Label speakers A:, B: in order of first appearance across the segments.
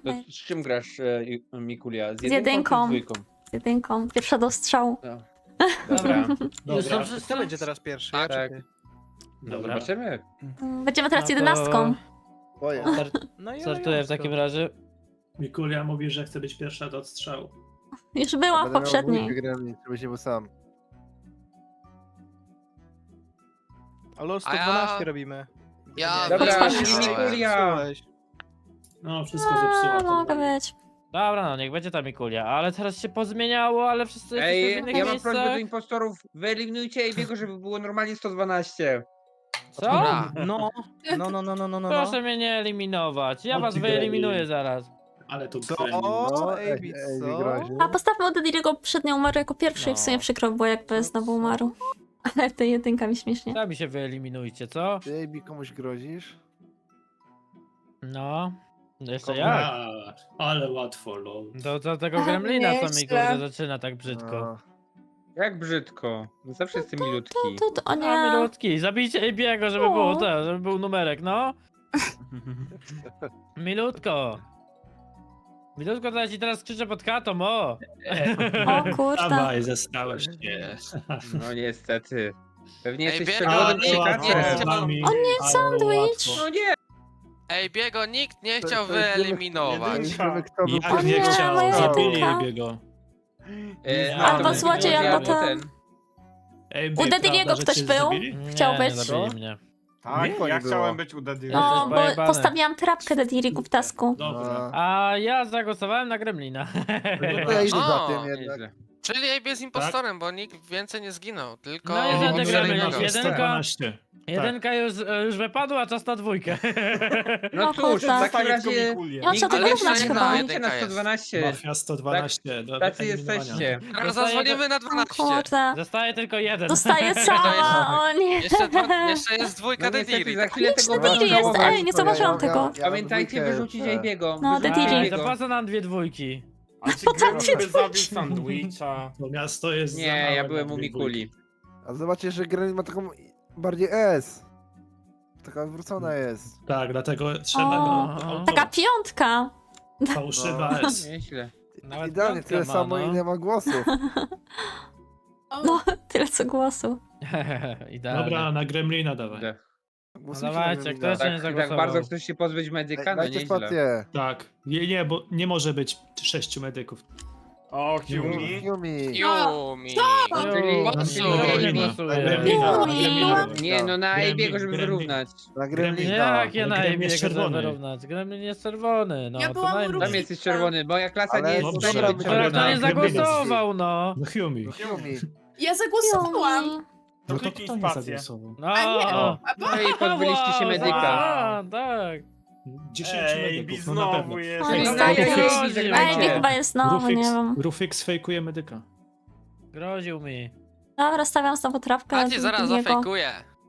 A: z czym grasz, Mikulia? Z
B: jedynką.
A: czy z dwójką?
B: Z jedynką. Pierwsza do strzału.
A: No. Dobra.
C: Już
D: Dobra,
C: są wszyscy?
E: Kto będzie teraz pierwszy? Ja
A: Tak.
E: czy ty?
A: No,
C: Dobra.
A: zobaczymy.
B: Będziemy teraz
C: No to
B: 11.
E: Boję. No i
C: Startuję w
E: elegancko.
C: takim razie.
D: Mikulia mówi, że chce być pierwsza do odstrzału.
B: Już byłam w poprzedniej.
F: Żebyś nie był sam.
E: Ale o
G: A
E: 112
G: ja-
E: robimy.
G: Ja
A: Dobra,
B: Otwarcie.
A: Mikulia!
E: Zepsułeś.
D: No, wszystko zepsuła. to
B: Mogę
D: mówi.
B: być.
C: Dobra, no niech będzie ta Mikulia, ale teraz się pozmieniało, ale wszyscy jesteśmy w
A: Ej,
C: innych
A: ja mam
C: miejscach.
A: prośbę do impostorów, wyeliminujcie Ejbiego, żeby było normalnie 112.
C: Co?
G: Dobra.
E: No.
C: Proszę mnie nie eliminować, ja
D: O,
C: was
D: ty
C: wyeliminuję
D: gej.
C: zaraz.
D: Ale to
E: Co?
D: gremlin.
E: O,
F: Ej,
E: Ejbi, co?
F: groźnie.
B: A postawmy od Dediriego przednio umarł jako pierwszy i w sumie
C: No.
B: przykro było, jakby znowu umarł. Ale w tej jedynka mi śmiesznie.
C: Sami się wyeliminujcie, co?
F: Ty, Ejbi, komuś grozisz?
C: No. Jeszcze jak?
D: A, ale łatwo, lol.
C: Do tego gremlina, co mi
H: Nieźle.
C: kurde zaczyna tak brzydko.
F: No.
A: Jak brzydko. No zawsze jestem milutki.
B: O
C: A
B: nie.
C: milutki, zabijcie Ejbiego, żeby było to, żeby był numerek, no. Milutko. Milutko, to ja ci teraz krzyczę pod katą, o.
B: O kurde.
D: Dawaj, zestałeś się.
A: No niestety. Pewnie
G: Ej,
A: jesteś
G: biega,
A: czerwonym
G: nie,
A: krzykaczem.
G: nie.
B: O nie, sandwich!
A: No nie!
G: Ej, Biego nikt nie
F: To-
G: chciał
F: to jest
G: wyeliminować.
F: Wiemy, kto był
B: O nie, moja
D: zabili
B: jedynka.
D: Jebiego.
B: Albo
A: to
B: złodziej,
A: będzie
B: albo ten. U Dediriego ktoś był? Chciał
C: Nie,
B: być?
C: nie zabili mnie.
F: Tak,
I: Ja
F: było.
I: chciałem być u Daddy.
B: No,
C: Jesteś
B: bo
C: pojebany.
B: postawiłam trapkę Dedirigu w tasku.
D: Dobra.
C: A ja zagłosowałem na gremlina.
F: No to ja idę za
G: O,
F: tym jednak.
A: Nieźle.
G: Czyli Ejbi jest impostorem, bo nikt więcej nie zginął, tylko...
C: No i za te gremlin,
G: Jednego.
C: jedynka. Jedynka już wypadła, czas na dwójkę.
A: No
B: O
A: cóż,
B: kurde.
A: w takim
I: Zostaje
A: razie...
I: tylko Mikulia.
B: Ja muszę
G: Ale
B: to
G: jeszcze
B: wyrównać
G: jedna
B: chyba.
G: jedynka.
A: na 112.
D: Mafia 112. do
A: Tacy
D: eliminowania.
A: jesteście.
G: Teraz zadzwonimy na
B: O
G: 12.
B: kurde.
C: Zostaje tylko jeden.
B: Dostaję sama, o nie.
G: Jeszcze jest dwójka
A: No niestety,
G: Dediri.
A: za chwilę tego
B: Dediri
A: będą
B: jest,
A: żałować.
B: ej, nie zauważyłam tego.
A: Pamiętajcie,
F: dwójkę
A: wyrzucić
F: jeszcze.
A: Ejbiego.
B: No,
A: wyrzucić
B: Dediri.
C: Ej,
A: Ejbiego.
C: to po co nam dwie dwójki?
I: A czy Gremlin by zabił sandwicha?
D: To miasto jest za
A: Nie,
D: małe
A: ja
D: na
A: byłem u
D: dwie
A: Mikuli.
F: A zobaczcie, że Gremlin ma taką bardziej S. Taka odwrócona jest.
D: Tak, dlatego trzeba
C: O,
D: go...
B: Taka piątka.
D: Fałszywa
F: No.
D: S.
A: Nieźle.
C: Nawet
F: Idealnie,
C: piątka
F: tyle
C: ma,
F: samo
C: no.
F: ile ma głosów.
B: No, tyle co głosu.
C: Idealnie.
D: Dobra, na Gremlina dawaj.
F: Głosujcie
C: No dawajcie,
F: na Gremlina.
C: kto jeszcze nie
A: Tak, tak
C: zagłosował?
A: bardzo chcesz się pozbyć medyka? No
F: Dajcie
A: nieźle.
F: spację.
D: Tak. Nie, bo nie może być 6 medyków.
I: O, Yumi.
F: Yumi.
G: Yumi.
A: Czyli-
C: Czyli nie
D: Na
C: głosuję.
D: Gremlina.
A: Nie, no na
D: Gremlin,
A: Ejbiego, żeby
D: Gremlin.
A: wyrównać.
F: Na
C: Nie,
F: Gremlina.
C: jak ja na
D: Gremlin
C: Ejbiego
D: jest
C: chcę
D: czerwony.
C: wyrównać? Gremlin jest czerwony, no
H: Ja
C: to
H: byłam u
C: dajmy.
H: Rubika.
A: Tam jesteś czerwony, moja klasa
F: Ale
A: nie jest w
D: dobrze,
A: stanie być
D: ale
C: Ale
A: czerwona.
C: kto nie zagłosował, no?
D: No Yumi.
F: Yumi.
H: Ja zagłosowałam.
D: No to
I: kliknij
D: kto nie
I: spację.
D: zagłosował?
C: No,
H: A nie,
D: O.
A: No i pozbyliście się medyka.
C: A, tak.
D: 10
I: Ej,
D: medyków, no na pewno.
I: znowu jest.
B: Ej,
A: No
B: no,
A: ja
B: Rufix.
A: Ejbi,
B: Ej,
A: żegnajcie.
B: chyba jest znowu, nie wiem.
D: Rufix fejkuje medyka.
C: Groził mi.
B: Dobra, stawiam znowu trapkę.
G: A ci zaraz
B: Dediriego.
G: zafejkuję.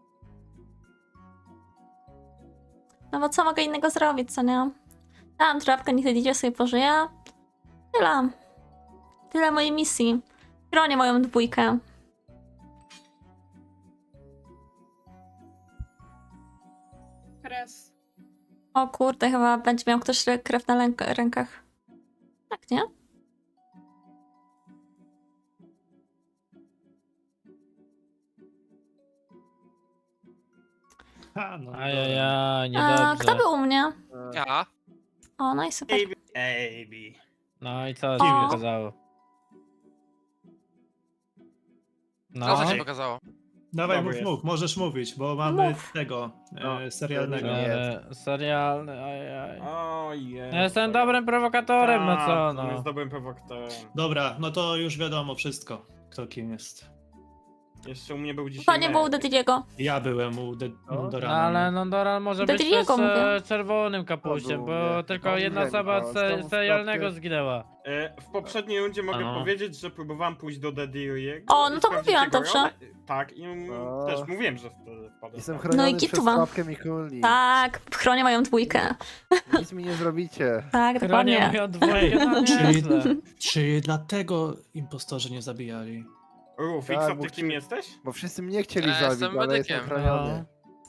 B: No bo co mogę innego zrobić, co nie? Dałam trapkę, niech Dedirio sobie pożyje. Tyle. Tyle mojej misji. Chronię moją dwójkę.
H: Kres.
B: O kurde, chyba będzie miał ktoś krew na rękach. Tak, nie?
D: Ha, no,
C: Ajajaj,
B: A,
C: niedobrze.
B: kto był u mnie?
G: Ja?
B: O, no i super.
I: Ejbi.
C: No i co
B: O.
C: ci pokazało? No.
G: Co ci pokazało?
D: Dawaj,
I: Dobry jest.
D: mów, możesz mówić, bo mamy
B: Mów.
D: tego
F: No,
D: serialnego.
F: nie.
C: Serialny, ajaj.
I: Ojej.
C: Ja jestem dobrym prowokatorem, no co,
I: Tak,
C: no.
I: on jest dobrym prowokatorem.
D: Dobra, no to już wiadomo wszystko, kto kim jest.
I: Jeszcze u mnie był dzisiaj
B: To nie było u
I: Mary.
B: Dediriego.
D: Ja byłem u
C: No,
D: Dorana.
C: ale Nondoran może
B: Do
C: być też
B: Diriego mówię.
C: czerwonym kapuściem,
F: To
C: bo
F: był, nie.
C: tylko
F: To
C: jedna
F: wiem,
C: osoba
F: a z tą
C: serialnego
F: sprawkę-
C: zginęła.
I: W poprzedniej rundzie mogę
C: Ano.
I: powiedzieć, że próbowałem pójść do Daddy'ego.
B: O, no to mówiłam dobrze.
I: Tak, i
F: O.
I: też mówiłem, że wtedy wpadłem.
F: Jestem
B: No
F: chroniony
B: i
F: przez
B: gituwa.
F: trapkę Mikuli.
B: Tak, chronię moją dwójkę.
F: Nic mi nie zrobicie.
B: Tak,
C: Chronię
B: dokładnie.
C: moją dwójkę na
D: Czyli-
C: nieźle.
D: Czy dlatego impostorzy nie zabijali?
I: Rufix,
F: Tak,
I: a
F: bo
I: ty kim jesteś?
F: Bo wszyscy mnie chcieli
G: Ja
F: zabić,
G: jestem
F: ale jestem
G: medykiem.
F: chroniony.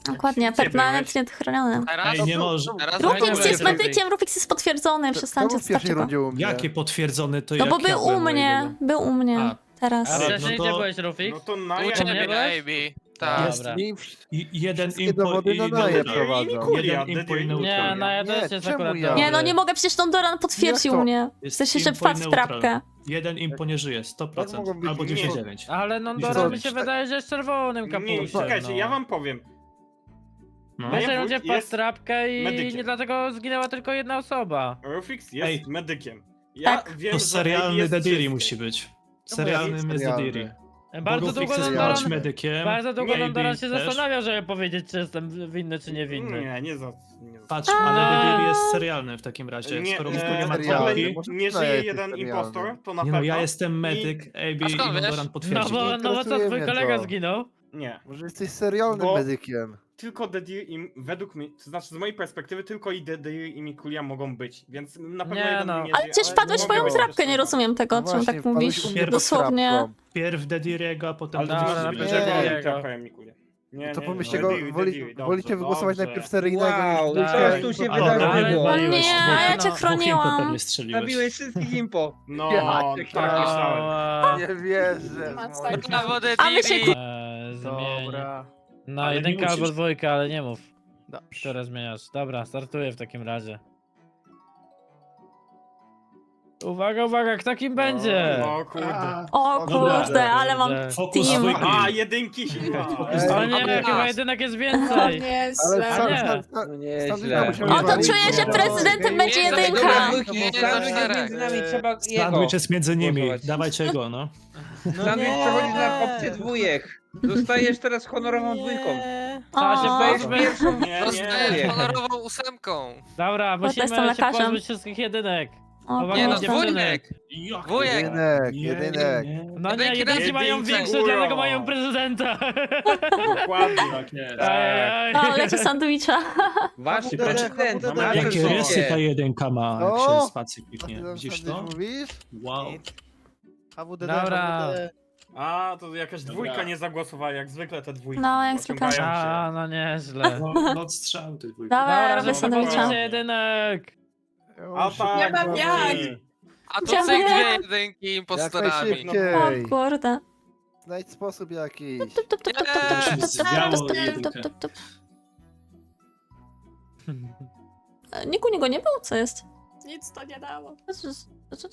B: Dokładnie,
I: Gdzie
B: permanentnie chroniony.
G: Teraz?
D: Ej, nie może.
G: Teraz
B: Rufix
G: będzie
B: jest
G: Rufix.
B: medykiem, Rufix jest potwierdzony, przestańcie
F: Czemu w pierwszej
B: starcie go.
F: rundzie u mnie?
D: Jakie potwierdzone to
B: No
D: jak
B: bo
D: ja
B: był u
D: byłem
B: mnie,
D: jedyny?
B: był u mnie.
D: A.
B: Teraz.
C: A
D: No
C: wcześniej
D: to-
C: gdzie byłeś, Rufix?
I: No to na
G: U
C: nie
G: ciebie na
C: byłeś?
G: AB. Tak.
D: Jest.
C: Dobra.
D: I jeden
F: Wszystkie dowody na naje
D: neutral.
F: prowadzą.
D: Jeden impo i
C: Nie,
D: neutral.
C: no ja
F: Nie,
C: też jest
F: czemu
C: akurat
F: ja?
C: dobry.
B: Nie, no nie mogę, przecież Don Doran potwierdził
F: Jak to?
B: mnie.
D: Jest
B: Chcesz jeszcze
D: impo i
B: wpadł w
D: neutral.
B: trapkę.
D: Jeden impo nie żyje,
F: Jak
D: 100%.
F: mogą być
D: Albo
F: impo?
D: 99.
C: Ale no
D: Nie
C: Dora
F: wiem.
C: mi się wydaje, że jest czerwonym
I: Nie,
C: kapuszem.
I: czekajcie,
C: no.
I: ja wam powiem.
D: No.
C: W pierwszej
I: Moja
C: rundzie
I: wódź
C: wpadł w
I: jest
C: trapkę i
I: medykiem.
C: nie dlatego zginęła tylko jedna osoba.
I: Rufix jest
D: Ej.
I: medykiem. Ja
B: Tak.
I: wiem,
D: To
I: że
D: serialny
I: jest
D: Dediri
I: czysty.
D: musi być.
C: No
D: Serialnym jest
F: serialny.
D: Dediri.
C: Bardzo
D: Bo
C: długo
D: Rufix
C: Don
D: jest
C: Doran,
D: być medykiem.
C: bardzo długo
I: Nie,
C: Don Doran się
D: też.
C: zastanawia, żeby powiedzieć, czy jestem winny, czy niewinny.
I: Nie za...
D: Patrz, ale Dediri jest serialny w takim razie.
I: Nie,
D: Skoro
I: nie,
D: Miku nie ma
F: serialny.
D: dwójki.
F: Może
I: nie
F: to
I: żyje
F: jest
I: jeden
F: serialny.
I: impostor, to na
D: Nie
I: pewno.
D: no, ja jestem medyk, AB
G: A
D: i
G: skąd
D: Don
G: wiesz?
D: Doran
C: No
D: potwierdził.
C: bo, no bo co,
F: interesuje
C: twój
F: mnie
C: kolega
F: to.
C: zginął?
I: Nie.
F: Może jesteś serialnym
I: Bo-
F: medykiem.
I: Tylko Dedir i według mnie, to znaczy z mojej perspektywy tylko i Dedir i Mikulia mogą być, więc na pewno
C: Nie
I: jeden
C: no.
I: nie
B: Ale
I: żyje,
B: przecież wpadłeś w
I: mogę
B: moją
I: być
B: trapkę,
I: też
B: nie
I: dwa.
B: rozumiem tego,
F: No
B: czemu
F: właśnie,
B: tak
F: wpadłeś
B: mówisz.
F: u mnie pod
B: Dosłownie.
F: trapką.
D: Pierw Dediriego, a potem
I: Ale to
C: Dobra,
I: ty
C: no,
I: masz
C: będzie
I: Dedir
C: jego.
I: i trapę Mikulia. Nie,
F: To
I: nie,
F: pomyślcie
I: nie,
F: go,
I: Dediri, Dediri, dobrze,
F: wolicie wygłosować
I: dobrze.
F: najpierw seryjnego
A: Wow,
F: niż
A: co
F: dwójkę.
A: tu się
D: Ale
A: wydarzyło?
B: O
C: waliłeś,
B: nie, a ja cię
C: no.
B: chroniłam.
D: pewnie strzeliłeś.
A: Zabiłeś wszystkich impo.
I: No,
F: Ja
I: tak
F: cię
I: myślałem.
C: Ała.
F: Nie wierzę.
H: Masakra.
G: Brawo
B: A my się
G: Dediri!
C: Zmień.
E: Dobra.
C: No,
D: Ale nie
C: jedynka albo
D: musisz.
C: dwójka, ale nie mów.
E: Dobrze.
C: Które zmieniasz. Dobra, startuję w takim razie. Uwaga, uwaga, kto kim będzie?
I: No kurde.
B: O
D: Dobra,
B: kurde, ale mam
D: Fokus
B: team.
D: dwójki.
I: A, jedynki się...
C: O nie, chyba jedynek jest więcej.
H: Nie,
F: Ale
H: źle.
F: sam,
C: nie.
F: sam,
A: No
F: sam,
A: nieźle.
F: musimy
B: O, to
F: walić.
B: czuję, że prezydentem będzie
G: Nie,
B: jedynka.
G: dobra,
A: Dwójki,
G: Nie,
A: sandwich
G: za
A: jest między nami, trzeba jego.
D: Sandwich jest między nimi,
A: głosować.
D: dawajcie go, no.
A: Sandwich przechodzi na opcję dwójek. Zostajesz teraz honorową dwójką.
C: Trzeba się
B: O,
A: Dostajesz
C: pozbyć.
A: pierwszą
I: Nie,
G: Zostajesz
A: dwójkę.
G: honorową ósemką.
C: Dobra, musimy
B: jestem
C: się
B: lekarzem.
C: pozbyć wszystkich jedynek.
B: o
C: Uwaga,
G: Nie no,
B: kurde.
G: dwójek. Dwójek.
F: Jedynek, jedynek.
C: No nie,
G: Jedynki
C: jedynki mają
I: jedynki,
C: większe,
I: uro.
C: dlatego mają prezydenta.
I: Dokładnie.
D: Tak jest.
C: Ajaj.
B: O, leci sandwicha.
A: Wasz
F: Habu
A: prezydent.
F: Dede,
A: nasze
D: Jakie
A: życie.
D: rysy ta jedynka ma, jak
F: O!
D: się spacji
F: A
D: kliknie.
F: ty tam
D: Widzisz
F: sandwich
D: to?
F: mówisz?
D: Wow.
E: HWDD,
C: Dobra.
E: HWDD.
I: A, to jakaś dwójka
D: Dobra.
I: nie zagłosowała, jak zwykle te dwójki.
B: No, jak zwykle.
I: ociągają się.
C: A, no nieźle.
D: No, noc strzał tych dwójki.
B: Dobra,
C: Dobra,
B: robię
C: żeby
B: sandwicha.
C: pozbyć się jedynek.
I: A tak,
H: Nie mam jak.
G: A tu
B: Chciałam
G: cyk
B: nie.
G: dwie jedynki
F: Jak
G: impostorami.
B: O
F: najszybciej.
B: kurde.
F: Znajdź sposób jakiś.
B: Tup, tup, tup, tup, tup, tup, tup, tup,
D: Zwiało
B: tup, tup,
D: jedynkę.
B: tup, tup, tup. Niku niego nie było, co jest?
H: Nic to nie dało.
B: Co?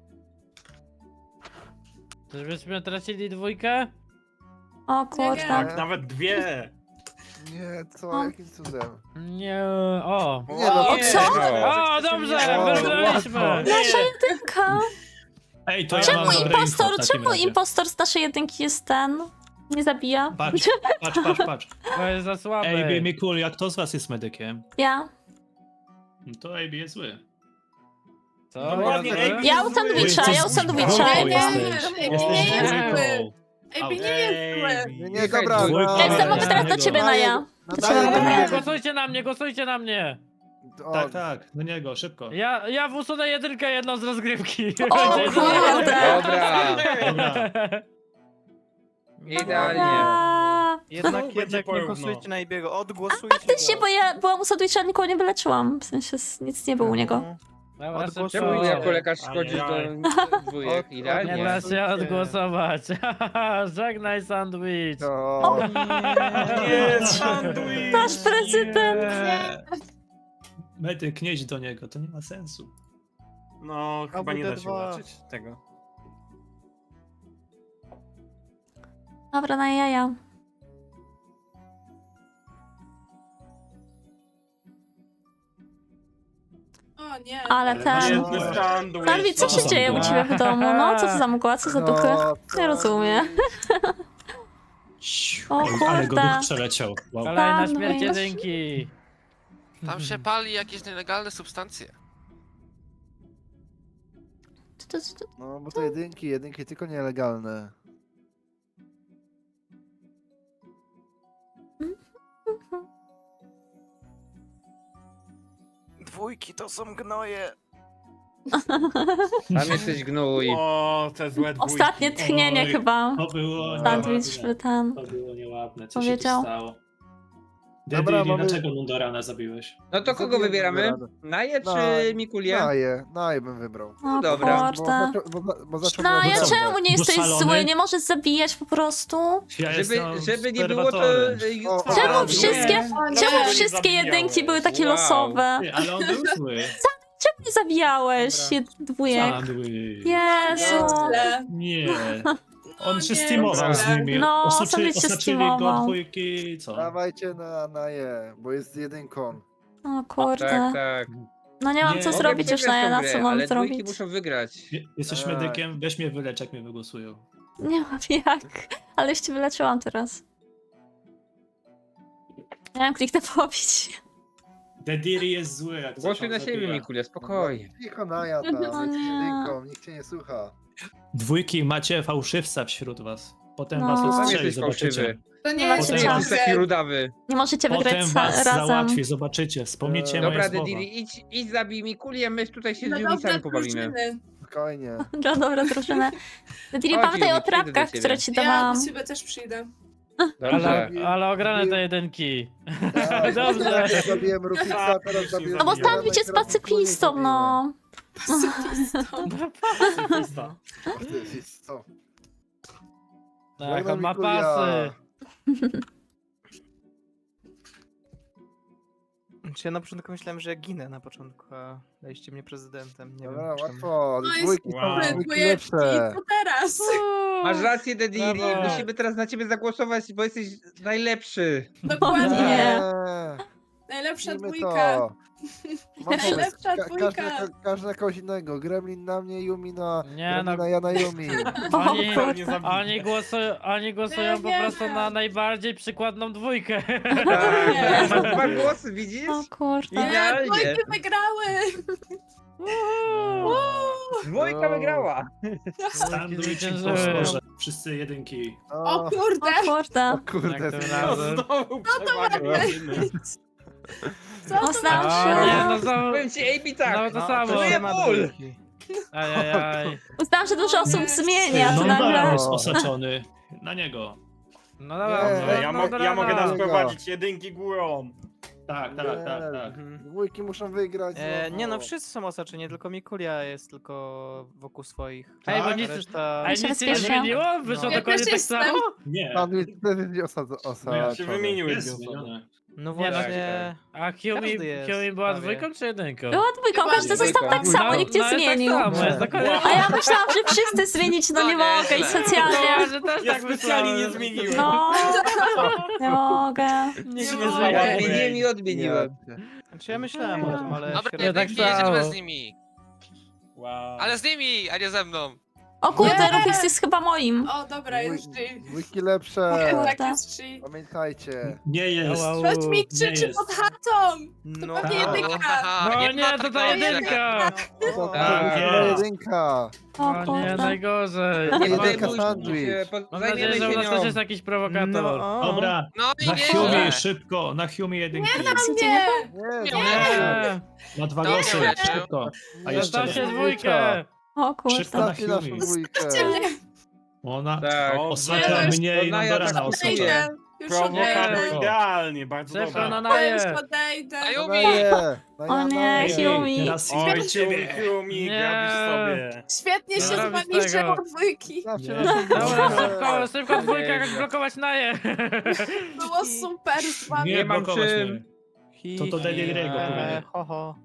C: Czyżbyśmy tracili dwójkę?
B: O kurde.
I: Tak, nawet dwie.
F: Nie, co?
B: O.
F: Jakim cudem?
C: Nie. O.
F: Nie no,
B: O, co?
C: O, dobrze,
F: O,
C: wygraliśmy.
F: łatwo.
B: Nasza jedynka.
D: Ej, to ja
B: Czemu
D: mam dobre
B: impostor,
D: info w takim
B: czemu
D: razie.
B: impostor z naszej jedynki jest ten? Nie zabija?
D: Patrz, patrz.
C: To jest za słabe.
D: AB Mikul, jak kto z was jest medykiem?
B: Ja.
D: No to AB jest zły.
C: Co?
I: Dokładnie,
C: Ja-
I: AB
B: Ja
I: jest
B: u
I: zły.
B: sandwicha, ja u sandwicha.
D: Dwójką
H: Nie,
D: jesteś.
H: nie,
D: Jesteś
H: nie jest
D: dwójką.
H: zły. Ej, nie jest zły.
F: Nie, nie, dobra.
D: Dwójka.
F: no.
B: Ja jestem, mogę
D: Ja
B: teraz do
D: niego.
B: ciebie na ja.
F: No
B: To
F: daję
B: trzeba
F: do
B: na ja.
F: niego.
C: Głosujcie na mnie, głosujcie na mnie.
F: O,
D: Tak, do niego, szybko.
C: Ja usunę jedynkę jedną z rozgrywki.
B: O kurde.
A: Dobra.
D: Dobra.
A: Idealnie.
B: A,
E: Jednak,
I: Będzie
E: jednak nie
I: porówno.
E: głosujcie na Ibiego, odgłosujcie
B: faktycznie,
E: go.
B: bo ja byłam u sandwicha, nikogo nie wyleczyłam. W sensie nic nie było u niego.
C: Dobra,
E: Odgłosuj.
A: Czemu
C: szybko.
A: jako lekarz szkodzisz do dwójek?
C: Nie
A: Idealnie.
C: da się odgłosować. Żegnaj sandwich.
F: to...
I: Nie, sandwich.
B: Nasz prezydent.
D: Medyk, nie idź do niego, to nie ma sensu.
I: No, chyba nie da się
E: AWD2.
I: uleczyć tego.
B: Dobra, na jaja.
H: O nie.
B: Ale ten...
I: Biedny sandwich.
B: Sandwich, co
D: To
B: się
D: są
B: dzieje u
D: mgła.
B: ciebie w domu? No, co to za mgła, co za duchy? Nie rozumiem. O
D: Oj, ale go
B: kurde.
D: duch przeleciał. Wow.
C: Kolejna
B: Sandwich.
C: śmierć jedynki.
G: Tam się pali jakieś nielegalne substancje.
F: No, bo to jedynki tylko nielegalne.
E: Dwójki to są gnoje.
A: Tam jesteś gnój.
I: O, te złe dwójki.
B: Ostatnie tchnienie
D: Oj.
B: chyba.
D: To było
B: Sandwich
D: nieładne.
B: ten.
D: To było nieładne, co
B: Powiedział.
D: się tu stało.
F: Dobra,
D: Dediri,
F: mamy-
D: dlaczego Nundorana zabiłeś?
A: No to kogo
F: Zabiłem
A: wybieramy?
F: Nundorana.
A: Naje
F: No,
A: czy Mikulię?
F: Naje bym wybrał.
B: O
A: dobra.
B: kurde.
F: Bo zaczął
B: No,
F: mnie
B: ja
F: obrażać.
B: czemu nie jesteś
D: szalony?
B: zły? Nie możesz zabijać po prostu?
D: Ja jestem
A: Żeby nie było to...
D: obserwatorem.
F: O,
B: Czemu
F: o,
B: wszystkie,
H: O nie.
B: czemu
I: nie
B: wszystkie
I: zabijałeś?
B: jedynki były takie
A: Wow.
B: losowe?
D: Ty, ale on był zły.
B: Czemu nie zabijałeś dwójek?
D: Padły.
B: Jezu.
H: Źle.
D: Nie.
H: No
D: On się
H: nie,
D: steamował z
H: źle.
D: nimi.
B: No,
D: Osaczyli
B: sobie się
D: osaczyli go
B: steamował.
D: dwójki, co?
F: Dawajcie na Naje, bo jest jedynką.
B: O kurde.
A: Tak, tak.
B: No nie mam
D: Nie.
B: co
D: Mogę
B: zrobić już
A: Przegrać
B: na
A: tą
B: na co
A: grę,
B: mam
A: ale dwójki
B: zrobić.
A: muszą wygrać.
D: Jesteś
F: Tak.
D: medykiem, weź mnie wylecz, jak mnie wygłosują.
B: Nie mam jak. Ale już cię wyleczyłam teraz. Miałem kliknę pobić.
D: Dediri jest zły, jak coś
A: Głosuj
D: on
A: na siebie,
D: zabija.
A: Mikulia, spokojnie.
F: Cicho Naja tam,
B: O
F: jest
B: nie.
F: jedynką, nikt cię nie słucha.
D: Dwójki, macie fałszywca wśród was. Potem
B: No.
D: was
B: Sam
A: Sam
D: ustrzeli,
A: jesteś
D: zobaczycie.
A: fałszywy.
H: To nie
B: Nie
H: jest
B: macie
A: Potem
B: czas.
A: jesteś taki rudawy.
B: Nie możecie
D: Potem
B: wygrać
D: was
B: razem.
D: załatwi, zobaczycie. Wspomnijcie moje
A: Dobra,
D: słowa.
A: Dediri, idź zabij Mikulię, my tutaj się z
H: No
A: nimi
H: dobre
A: sami pobawimy.
H: drużyny.
F: Spokojnie.
B: Dla dobra drużyna. Dili,
A: Chodź,
B: pamiętaj
A: Juli,
B: o
A: przyjdę do
B: trapkach,
A: ciebie.
B: które ci
H: Ja
B: dawałam.
H: do ciebie też przyjdę.
A: Dobrze.
C: Ale ograne te jedynki.
F: Tak,
C: Dobrze.
F: teraz zabiłem Rufixa, teraz zabiłem...
B: No bo
F: Nundorana
B: Stanwich
F: i
B: jest
F: teraz Mikulię
B: pacyfistą,
F: zabiłem.
B: no.
I: Pacyfista.
F: Pacyfistą.
C: Tak,
F: Żegnam
C: on ma
F: Mikulia.
C: pasy.
E: Ja na początku myślałem, że ja ginę na początku, a daliście mnie prezydentem. Nie
F: Dobra,
E: wiem czemu.
F: łatwo,
H: No jest
F: dwójki
I: Wow.
F: są dwójki
H: Twoje
F: lepsze.
H: co teraz?
A: Masz rację, Dediri,
C: Brawo.
A: musimy teraz na ciebie zagłosować, bo jesteś najlepszy.
H: Dokładnie.
B: Nie.
H: Najlepsza
F: Robimy
H: dwójka.
F: to. Mam pomysł.
H: Najlepsza dwójka.
F: Każdy na kogoś innego. Gremlin na mnie, Yumi na...
C: Nie,
F: Gremlina,
C: no.
F: ja na Yumi.
C: Oni,
I: Nie zabiję.
C: oni głosują
H: Nie
C: po
H: wierzę.
C: prostu na najbardziej przykładną dwójkę.
A: Tak,
H: Nie.
A: są dwa głosy, widzisz?
B: O kurde.
H: Nie,
A: Idealnie.
H: dwójki wygrały.
A: Dwójka wygrała.
D: Sandwich i
C: zwyciężyły.
D: potworze. Wszyscy jedynki.
H: O
F: O,
H: kurde.
B: O kurde.
F: o kurde.
C: Jak tym
F: zmieniło.
C: razem.
I: Znowu przewagę.
H: Co to
B: Oslam
H: ma
B: się.
C: O nie,
H: być?
C: no znowu,
A: Powiem ci, AB tak.
C: znowu to samo.
A: Czuję ból.
C: Ajajaj.
B: Uznałam, że dużo osób zmienia, to
D: Nundorana
B: nagle...
D: jest osaczony. Na niego.
C: No dobra,
F: Nie,
I: Ja,
C: no
I: ja mogę
C: dobra.
I: nas prowadzić jedynki górą.
D: Tak, tak, tak, tak.
F: Dwójki muszą wygrać. znowu.
E: Nie no, wszyscy są osaczeni, tylko Mikulia jest tylko wokół swoich.
C: Ej, bo
E: Tak?
C: nic-
E: Reszta...
C: A
B: Ja się
C: nic się nie
B: bezpiecznie.
C: zmieniło? Wyszło
E: No.
H: Ja
C: dokładnie
H: też
C: tak samo?
H: jestem.
D: Nie.
F: Sandwich też jest
D: Ja
F: osaczony.
I: się wymieniły
D: Jest
I: dwie osoby.
D: zmienione.
E: No
C: Nie, no,
E: właśnie.
C: A Kiumi
E: Każdy jest,
C: była
E: prawie.
C: dwójką czy jedynką?
B: Było dwójką, każdy został tak samo, nikt nie
C: jest
B: zmienił.
C: Tak samo, jest dokładnie
B: A ja myślałam, że wszyscy zmienić, no nie
G: No nie,
B: mogę i
G: źle.
B: specjalnie.
C: że też
I: Ja
C: tak
I: specjalnie nie
C: myślałem.
I: zmieniłem.
B: No, nie mogę.
C: Nikt
I: Nie
C: nie
I: mogę.
C: zmienił.
A: Odmieniłem i odmieniłem.
E: Znaczy ja myślałem o tym, ale...
G: Dobra,
E: się
C: nie, tak
G: jedynki,
C: samo.
G: jedziemy z nimi.
I: Wow.
G: Ale z nimi, a nie ze mną.
B: O kurde,
H: Nie.
B: Rufix jest chyba moim.
H: O, dobra, jest G.
F: Dwójki lepsze.
H: Tak,
B: Kurde.
H: jest G.
F: Pamiętajcie.
D: Nie jest.
C: Wow.
H: Ktoś mi
D: nie
H: krzyczy
D: jest.
H: pod chatą.
E: No,
H: To pewnie
D: tak.
H: jedynka.
G: Aha,
C: No nie,
G: ma
C: to ta
G: takiego
C: jedynka!
F: To
A: Tak.
F: jedynka.
B: O
C: O nie,
B: kurde.
C: najgorzej.
A: Nie
F: Jedynka
A: zajmuj się,
F: sandwich.
C: Mam
A: zajmiemy
C: nadzieję, że u
A: się
C: nas też
A: nią.
C: jest jakiś prowokator.
E: No, o.
D: Dobra,
G: No i
D: na
G: nie
D: Hume szybko, na Hume jedynki.
B: Słuchajcie,
H: Nie.
F: Nie,
G: Nie.
C: Nie,
D: Na dwa
G: To
D: głosy,
G: nie.
D: szybko. A jeszcze
C: zostawcie
F: nie.
C: dwójkę.
B: O kurde.
D: Szybko na
F: Zostawcie naszą
D: Hume.
F: dwójkę.
H: Zostawcie mnie.
D: Ona
A: Tak.
D: osacza
H: Nie,
D: mnie i
A: to Naja
D: Nundorana
A: tak
D: osacza.
A: odejdzie.
H: Już
I: Prowokator
H: odejdę.
I: idealnie, bardzo
C: Szybko
I: dobra.
C: na
H: To
C: naje.
H: już odejdę.
G: A
F: No
G: Yumi!
F: Naje,
B: O nie,
D: Ej,
B: Yumi.
D: teraz
I: Oj,
D: do ciebie.
I: Yumi,
C: Nie.
I: grabisz sobie.
H: Świetnie
C: Nie
H: się z
C: robisz
H: wami
C: tego.
H: żyło dwójki.
F: Zostawcie
A: Nie.
F: naszą
C: Dobra,
F: dwójkę.
C: szybko dwójka, jak blokować naje.
H: Było super z wami.
A: Nie mam
D: blokować
A: czym.
D: mnie. To Dediriego powiedział.
E: Ho, ho.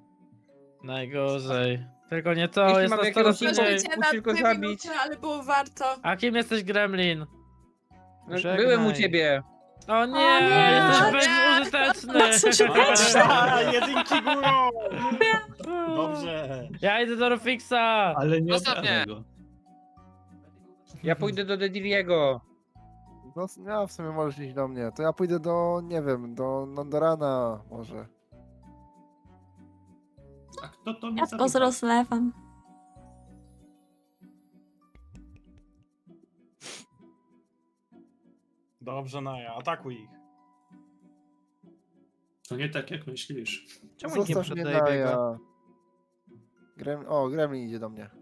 C: Najgorzej. Tylko nie to,
A: Jeśli
C: jest
A: mam
C: nas
A: jakiegoś
C: coraz
A: innego-
C: mniej.
H: Możecie na
A: musisz go
H: 2
A: zabić.
H: minuty, ale było warto.
C: A kim jesteś, Gremlin?
A: No,
E: Żegnaj.
A: byłem u ciebie.
C: O
B: nie.
C: nie,
B: O
C: jesteś
H: nie.
C: bezużyteczny.
I: A, jedynki górą! Dobrze.
C: Ja idę do Rufixa.
D: Ale nie
G: Zostaw
D: obrażaj
G: mnie.
D: go.
A: Ja pójdę do Dediriego.
F: No, w sumie możesz iść do mnie. To ja pójdę do, nie wiem, do Nundorana może.
D: A kto to mnie
B: Ja tylko z
D: zapytał?
B: rozlewem.
I: Dobrze, Naja, atakuj ich.
D: To nie tak jak myślisz.
E: Czemu nikt nie
F: Zostaw mnie
E: przyszedł do Ebiego?
F: Naja. Gremlin idzie do mnie.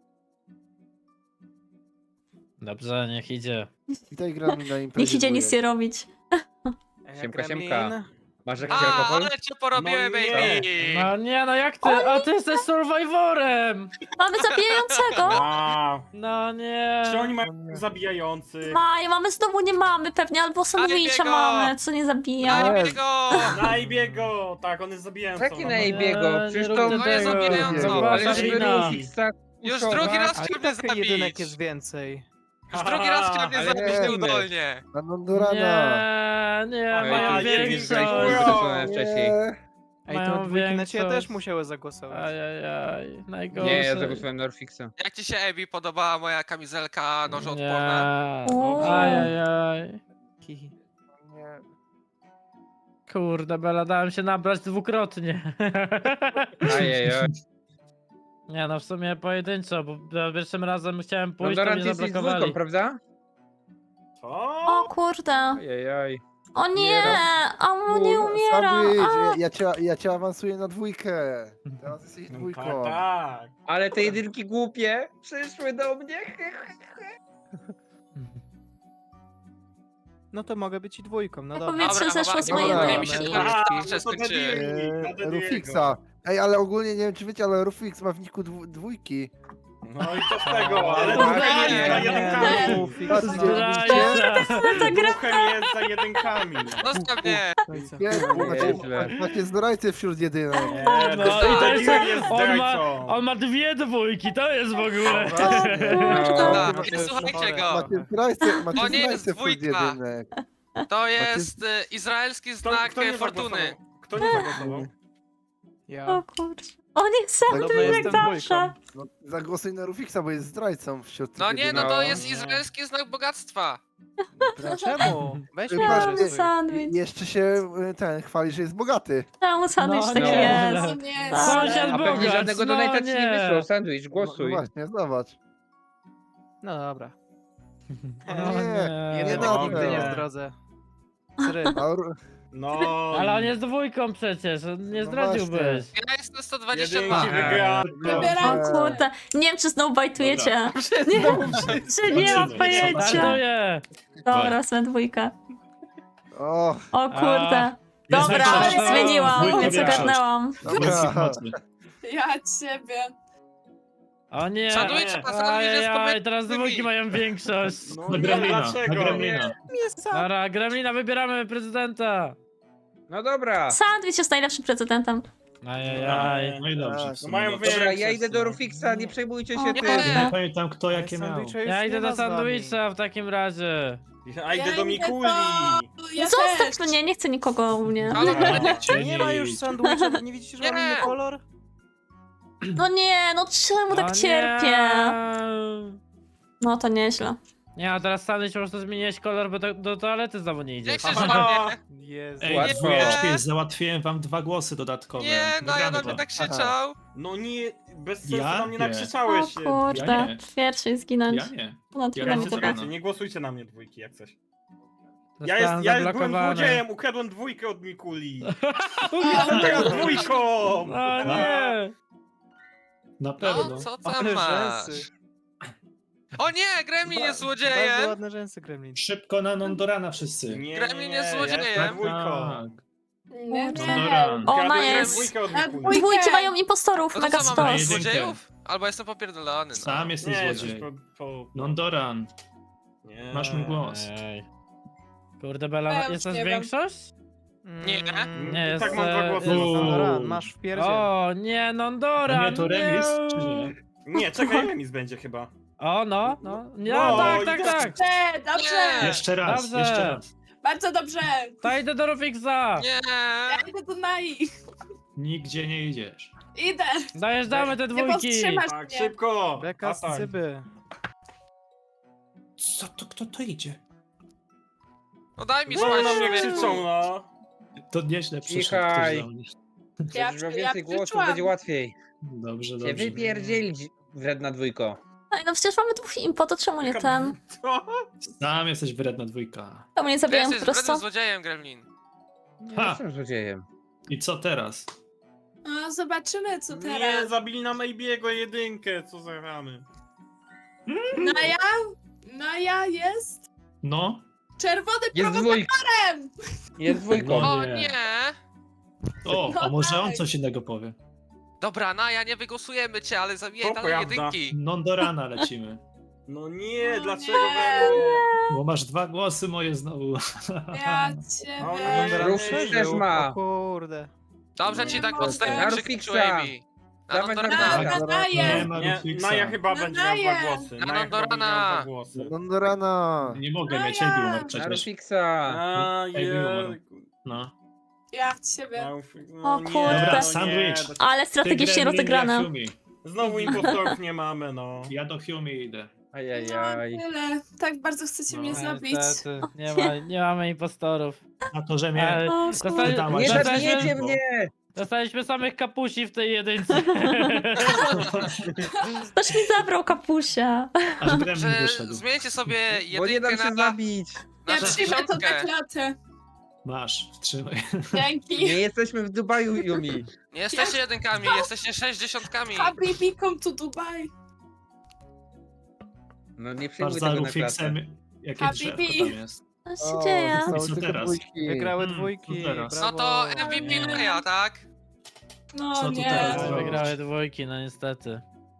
C: Dobrze, niech idzie.
F: Witaj Gremlin na imprezie.
B: Niech idzie nic
F: dwójek.
B: nie robić.
A: Siemka,
E: Gremlin,
A: siemka. Masz jakiś
G: A,
A: alkohol?
G: ale cię porobiłem,
I: No nie.
G: baby!
C: No nie, no jak ty? A ty jesteś survivorem!
B: Mamy zabijającego!
I: A,
C: No nie.
I: czy oni mają zabijających?
B: Maja, mamy znowu nie mamy pewnie, albo sandwicha
G: biego!
B: mamy, co nie zabija.
G: Daj
F: Jest.
G: mi go!
I: Najbiego! Tak, on jest zabijającą.
A: Taki
I: no.
A: na Ebiego,
C: Nie,
A: przecież
C: nie
A: to...
C: róbcie
G: To jest
C: tego.
G: zabijająco.
C: To
A: Ale
C: wasza
A: żeby
C: wina.
A: Rufixa
G: Już
A: kuszować-
G: drugi raz
E: Ale
G: chciał mnie
E: tak jedynek
G: zabić!
E: jest więcej.
G: Już drugi raz chciał mnie
A: Ale
G: zabić
A: nie.
G: nieudolnie!
F: Na Nondorana.
C: Nie,
A: Ale
C: mają
I: nie
C: większość.
I: wiem,
A: wcześniej.
E: Ej,
C: Mają
E: to dwójki na ciebie
C: większość.
E: też musiały zagłosować.
C: Ajajaj, najgorsze.
A: Nie, ja zagłosowałem na Rufixa.
G: Jak ci się, Ebi, podobała moja kamizelka nożoodporna?
C: Nie.
B: Uuu.
C: Ajajaj.
E: Hihi.
F: Nie.
C: Kurde, Bela, dałem się nabrać dwukrotnie.
A: Ajajaj.
C: Nie no, w sumie pojedynczo, bo za pierwszym razem chciałem pójść, to
A: Nondoran,
C: mnie
A: ty jesteś
C: zablokowali.
A: dwójką, prawda?
I: Co?
B: O kurde.
A: Ajajaj.
B: O nie, a on nie umiera.
F: Sandwich,
B: A.
F: ja cię awansuję na dwójkę. Teraz jesteś
I: No,
F: dwójką.
I: tak.
A: Ale te jedynki głupie przyszły do mnie.
E: No to mogę być i dwójką, no
B: Ja
E: dobra.
B: powietrze
G: Dobra,
B: zeszło z
G: dobra,
B: mojej
F: dobra.
G: mi się
B: ręki.
G: teraz
I: A,
G: jeszcze
I: no to
G: skończyły.
I: debil. Na Dediego.
F: Rufixa. Ej, ale ogólnie nie wiem czy wiecie, ale Rufix ma w niku dwójki.
I: No i co z tego? Ale
A: No,
I: Ruchem
A: nie,
I: jest za
A: nie.
I: jedynkami.
E: Rufixa.
C: Zdrajca.
I: Ruchem jest za jedynkami.
G: Zostaw mnie!
F: Pięknie,
A: Nieźle.
F: macie zdrajcy wśród jedynek.
C: No i to jest,
I: Debil jest
C: on ma,
I: zdrajcą.
C: on ma dwie dwójki, to jest w ogóle.
G: Dobra,
F: macie-
G: nie słuchajcie go!
F: Macie zdrajcy,
G: To nie jest
F: wśród
G: dwójka.
F: jedynek.
G: To jest izraelski znak
I: Kto nie
G: fortuny.
I: zagłosował? Kto nie zagłosował?
E: Ja.
B: O kurczę. O nie,
E: Dobra,
B: sandwich jak
E: jestem
B: zawsze.
F: No, zagłosuj na Rufixa, bo jest zdrajcą wśród
G: No
F: tych
G: nie, no
F: jedynek.
G: to
A: No.
G: jest izraelski znak bogactwa.
E: Czemu? Weź
F: Ty
E: mi
F: patrz,
B: Czemu
F: nie,
B: sandwich?
F: Jeszcze się chwali, że jest bogaty.
B: Czemu sandwich
C: No,
B: taki
C: no.
B: jest?
H: O nie,
B: Tak.
C: Sąsiad
A: A pewnie
C: bogacz,
A: żadnego
C: no
A: donate'a ci nie
C: nie.
A: wysłał. Sandwich,
F: No
A: głosuj.
F: właśnie, zobacz.
E: No dobra.
C: No
F: Nie,
E: Jedynek
F: no,
E: nigdy nie
F: nie.
E: zdradzę. Sry.
I: No.
C: Ale on jest dwójką przecież, on nie
F: No
C: zdradziłbyś.
G: Ja jestem
I: Jedynki
G: 122.
I: wygrałem.
H: Wybieram.
B: O kurde. Nie wiem, czy znowu bajtujecie. Nie, czy nie mam pojęcia.
C: Startuję.
B: Dobra, są dwójka.
F: O,
B: O kurde.
C: Jest
B: Dobra,
C: większość.
B: zmieniłam,
C: Dwójka
B: więc
C: większość.
B: ogarnęłam.
F: dobra.
H: Ja ciebie.
C: O nie.
G: Sandwich, a sandwich jest
C: Ajajaj,
G: pomiędzy
C: teraz
G: tymi.
C: dwójki mają większość.
I: No nie, dlaczego? Nie.
C: Dobra, Gremlina, wybieramy prezydenta.
A: No dobra.
B: Sandwich jest najlepszym prezydentem.
C: Ajajaj.
J: No i dobrze.
F: Tak.
J: w
I: No
J: sumie
I: mają
J: dobrze.
A: Dobra, ja
I: większość,
A: idę do
I: no.
A: Rufixa, nie przejmujcie się
B: O,
A: tym.
G: Nie.
J: Nie pamiętam kto jakie miał.
E: Sandwicha już
C: Ja
E: nie
C: idę
E: ma
C: do
E: z wami.
C: sandwicha w takim razie.
I: A idę do Mikuli.
H: Ja
B: Zostaw
H: też.
B: mnie, nie chcę nikogo u mnie.
G: Ale
E: Nie ma już sandwicha, nie widzicie, że mam
G: Nie.
E: inny kolor?
B: No nie, no czemu
C: O
B: tak
C: nie.
B: cierpię? No to nieźle.
C: Nie, a teraz sandwich po prostu zmieniłeś kolor, bo do toalety znowu nie
G: Nie
C: idziesz.
G: chcesz
I: Aha.
G: mnie?
E: Jezu.
J: Ej,
A: Łatwo.
J: dwójeczki, załatwiłem wam 2 głosy dodatkowe.
G: Nie, no ja
J: Wygramy
G: na
J: to.
G: mnie tak krzyczał.
I: No nie, bez sensu
J: Ja?
I: na mnie
J: Nie.
B: O
I: nakrzyczałeś.
B: kurde,
J: Ja nie.
B: pierwszy zginąć.
J: Ja nie.
B: No
J: Ja
B: tyle
J: nie
B: mi
J: chcę
B: tylko.
J: zagrać.
I: Nie głosujcie na mnie dwójki jak coś.
C: Zostałem
I: Ja byłem
C: zablokowany.
I: złodziejem, ukradłem dwójkę od Mikuli. Jestem teraz dwójką!
C: O nie!
J: Na pewno.
G: No, co tam
E: Ale
G: masz?
E: rzęsy.
G: O nie, Gremlin jest
E: Bardzo
G: złodziejem!
E: ładne rzęsy, Gremlin.
J: Szybko na Nondorana wszyscy.
I: Nie,
G: Gremlin jest
I: ja
G: złodziejem.
I: jestem dwójką.
J: Tak.
H: Nie,
J: Nondoran.
B: O, ona
I: Ukradłem
B: jest.
I: dwójkę od
H: Na
I: Mikuli.
H: dwójkę.
B: Dwójki mają impostorów,
G: No to
B: mega
G: co, mamy
B: stos.
J: jedynkę.
G: złodziejów? Albo jestem popierdolony, no.
J: Sam jesteś
I: Nie,
J: złodziej.
I: coś
J: Nondoran,
I: Nie.
J: masz mój głos.
C: Ej. Kurde, Bela,
H: Ja już
C: jest nas
H: nie wiem.
C: większość?
G: Nie.
C: Nie, jest...
I: tak mam dwa głosy.
C: jest-
E: Nondoran, masz w pierdzie.
C: O, nie, Nondora!
J: A nie, to remis, czy nie?
I: Nie, czekaj, remis będzie chyba.
C: O, no. Nie,
I: No,
C: tak,
I: i
C: tak,
I: teraz-
C: tak.
H: Dobrze, dobrze.
G: Nie.
J: Jeszcze raz,
C: Dobrze.
J: jeszcze raz.
H: Bardzo dobrze.
C: To idę do Rufixa.
G: Nie!
H: Ja idę do Nai.
J: Nigdzie nie idziesz.
H: Idę.
C: Dojeżdżamy te
H: Nie
C: dwójki.
H: powstrzymasz
I: Tak,
H: mnie.
I: szybko!
E: Beka z
I: Atak.
E: cyby.
J: Co to, kto to idzie?
G: No daj mi
I: No na
G: spać,
I: mnie
G: człowieku.
I: krzyczą, no.
J: To nieźle przyszedł
A: Cichaj.
J: ktoś do mnie.
H: Ja
A: Będziesz miał
H: ja
A: więcej głosów,
H: krzyczałam.
A: będzie łatwiej.
J: Dobrze,
A: Cię
J: dobrze.
A: wypierdzielić, wredna dwójko.
B: Ej, no przecież mamy dwóch impo, to czemu nie ten?
I: Co?
J: Sam jesteś wredna dwójka.
B: Czemu nie
G: Ty
B: zabijają po
G: jesteś
B: prostu?
G: wrednym złodziejem, Gremlin.
A: Nie
J: Ha!
A: jestem złodziejem.
J: I co teraz?
H: No, zobaczymy, co
I: Nie,
H: teraz.
I: zabili nam Maybiego jedynkę, co za ramy.
H: Naja? Naja jest?
J: No?
H: Czerwony
A: Jest
H: prowokatorem!
A: Jest dwójką.
J: No.
G: O
J: nie.
G: nie!
J: O, a
H: No
J: może on
H: tak.
J: coś innego powie?
G: Dobra, Naja, nie wygłosujemy cię, ale zabijaj
I: To
G: dalej
I: prawda.
G: jedynki.
J: Non do rana lecimy.
I: No nie,
H: No
I: dlaczego
H: nie.
I: we mnie?
J: Bo masz 2 głosy moje znowu.
H: Ja
I: O
H: ciebie.
I: nie.
A: Rufix też ma.
E: O kurde.
G: Dobrze ci
H: Nie
G: tak
H: mogę.
G: podstępnie
A: Na
G: krzyknął
A: Rufixa.
G: Amy. Na
A: Dawaj na
G: Nondorana.
A: Rufixa.
H: Na
J: Nie
H: Naję!
J: ma
I: Nie,
J: Rufixa.
I: Naja chyba będzie miał
H: Naję.
I: 2 głosy.
G: Na
I: Naja chyba będzie miał
G: Nondorana.
I: 2 głosy.
F: No do rana.
J: Nie mogę mieć,
H: Naja.
J: Ejbi umarł
A: Na
J: przecież.
A: Rufixa.
I: A,
J: Ej, wyłamał.
I: jejku.
J: No.
H: Ja ciebie. No
B: O kurde.
J: Dobra, sandwich.
B: Ale strategicznie
J: Ty, Gremlin,
B: rozegrane.
J: ja Humi.
I: Znowu impostorów nie mamy, no.
J: Ja do Humi idę.
A: Ajajaj.
H: Tyle. Tak bardzo chcecie mnie
J: No,
H: zabić.
C: Niestety, nie mamy impostorów.
J: Na to, że mnie...
C: Ale
B: O
C: dostali-
J: kurde.
A: Nie
J: Dostaliśmy-
A: zabijecie mnie!
C: Dostaliśmy samych kapusi w tej jedynce.
B: Ktoś mi zabrał kapusia.
J: Aż Gremlin
G: Że
J: wyszedł.
G: zmieńcie sobie
A: Bo nie dam
G: jedynkę
A: się
G: na
A: zabić.
H: Ja
G: na
H: przyjmę to na
G: 60.
H: klatę.
J: Masz, trzymaj.
H: Dzięki.
A: Nie jesteśmy w Dubaju, Yumi.
G: Nie jesteście jedynkami, jesteście 60.
H: Habibi, come to Dubai.
A: No nie
J: Masz
A: przyjmuj
J: za
A: tego na
J: Rufixem.
A: klatę.
J: Jakie
H: Habibi.
J: drzewko tam jest.
B: Co się
F: O,
B: dzieje?
F: zostały
J: I co
F: tylko
J: teraz?
F: dwójki.
E: Wygrały
J: Hmm,
E: dwójki.
J: co teraz?
G: No to MVP
H: Nie.
G: Naja, tak?
H: No
J: Co tu
H: nie.
J: teraz zrobić?
C: Wygrały dwójki, no niestety.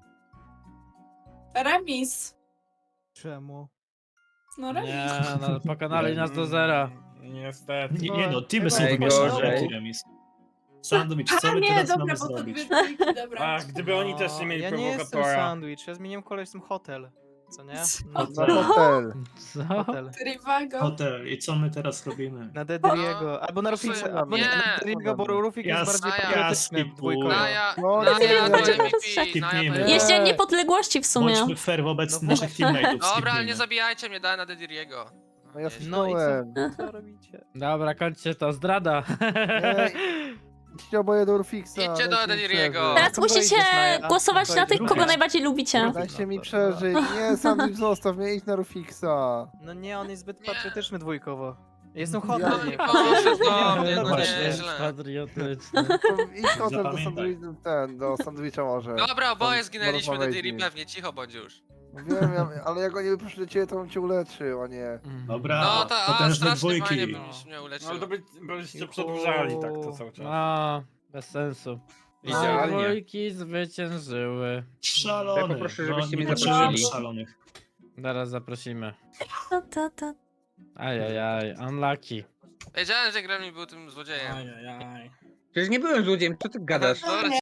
H: Remis.
E: Czemu?
H: No remis.
C: Nie, no pokonali nas do zera.
I: Niestety.
J: Nie no, teamy są
A: Najgorzej.
J: wymieszane, jaki remis. Sandwich, co
H: A
J: my
H: nie,
J: teraz
H: dobra,
J: mamy
H: bo to
J: zrobić?
H: dwie dwójki, dobra.
I: Ach, gdyby oni też nie mieli
E: Ja nie jestem
I: prowokatora.
E: sandwich, ja zmieniłem kolor, jestem hotel. Co nie?
H: Co?
E: No,
F: Na hotel.
C: Co?
E: hotel.
H: Trivago.
J: Hotel. I co my teraz robimy?
E: Na Dedriego, albo na
G: Głosuję-
E: Rufixa, albo
G: nie.
E: na Dedriego, bo Rufik jest
J: Jas-
E: bardziej
G: ja
E: patriotyczny
J: skipuję.
E: dwójkowo.
G: Naja,
F: No,
G: Naja
F: nie,
G: to
F: nie,
G: MVP. Naja
J: Skipnijmy.
G: to
J: Nie.
B: Jest dzień niepodległości w sumie.
J: Bądźmy fair wobec
E: No
J: naszych teammateów.
G: Dobra, ale
J: skipnijmy.
G: nie zabijajcie mnie, daj na Dediriego.
F: No ja
E: No i
F: skipnąłem.
E: co robicie?
C: Dobra, kończcie to, zdrada.
F: Idźcie oboje do Rufixa.
G: Idźcie
F: dajcie
G: do
F: mi
G: Dediriego.
F: przeżyć.
B: Teraz
E: to
B: musicie
E: wejdziesz, Maja.
B: głosować na tych, kogo
J: Rufixa.
B: najbardziej lubicie.
F: Dajcie mi przeżyć. Nie, sandwich zostaw mnie, idź na Rufixa.
E: No nie, on jest zbyt
G: Nie.
E: patriotyczny dwójkowo. Jestem
F: Ja-
E: hotel.
G: No i poszedł do mnie,
J: No
G: no
J: właśnie.
G: nieźle.
C: Patriotyczny.
F: To idź hotel do
J: Zapamiętaj.
F: sandwicha, do sandwicha może.
G: Dobra, oboje
F: Tam
G: zginęliśmy,
F: porozmawiajmy.
G: Dediri pewnie, cicho bądź już.
F: Wiem, ale jak oni by przyszli do ciebie, to bym cię uleczył, a nie.
J: Dobra,
G: No to, a
J: potężne
G: strasznie fajnie
J: dwójki.
G: byś mnie
I: No
G: uleczył.
I: ale to byście przedłużali tak to cały czas.
C: No, bez sensu.
A: Idealnie.
C: Dwójki zwyciężyły.
J: Szalony.
A: Ja poproszę, żebyście
J: nie
A: mnie
J: potrzebujemy
H: zaprosili.
J: szalonych.
C: Zaraz zaprosimy.
B: Ta.
C: Ajajaj, unlucky.
G: Wiedziałem, że Gremlin był tym złodziejem.
I: Ajajaj.
A: Przecież nie byłem złodziejem, co ty gadasz?
G: Dobra,